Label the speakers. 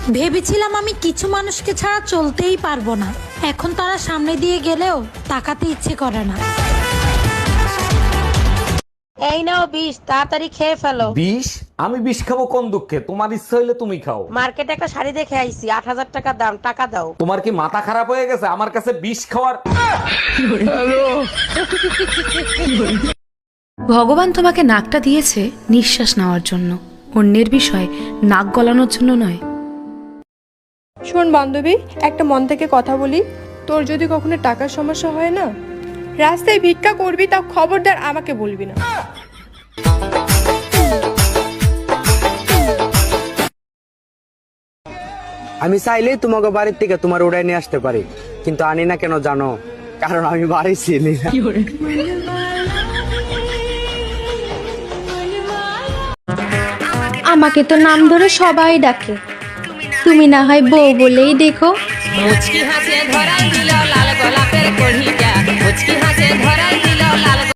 Speaker 1: ভেবেছিলাম আমি কিছু মানুষকে ছাড়া চলতেই পারবো না, এখন তারা সামনে দিয়ে গেলেও তাকাতে ইচ্ছে করে না।
Speaker 2: এই নাও বিষ, তাড়াতাড়ি খেয়ে ফেলো।
Speaker 3: বিষ? আমি বিষ খাবো কোন দুঃখে? তোমার ইচ্ছা হইলে তুমি খাও।
Speaker 2: মার্কেটে একটা শাড়ি দেখে আইছি, ৮,০০০ টাকা দাম, টাকা দাও।
Speaker 3: তোমার কি মাথা খারাপ হয়ে গেছে আমার কাছে বিষ খাওয়ার?
Speaker 4: ভগবান তোমাকে নাকটা দিয়েছে নিঃশ্বাস নেওয়ার জন্য, অন্যের বিষয় নাক গলানোর জন্য নয়।
Speaker 5: শোন বান্ধবী, একটা মন থেকে কথা বলি। তোর যদি কখনো টাকার সমস্যা হয় না, রাস্তায় ভিক্ষা করবি, তা খবরদার আমাকে বলবি না।
Speaker 6: আমি চাইলেই তোমাকে বাড়ির থেকে তোমার উড়াই নিয়ে আসতে পারি, কিন্তু আনি না কেন জানো? কারণ আমি বাড়ি ছিলি না।
Speaker 7: আমাকে তো নাম ধরে সবাই ডাকে, তুমি না হয় বউ বলেই দেখো।
Speaker 2: মুচকি হাসিয়ে ধরাই দিল লাল গোলাপের কড়ি।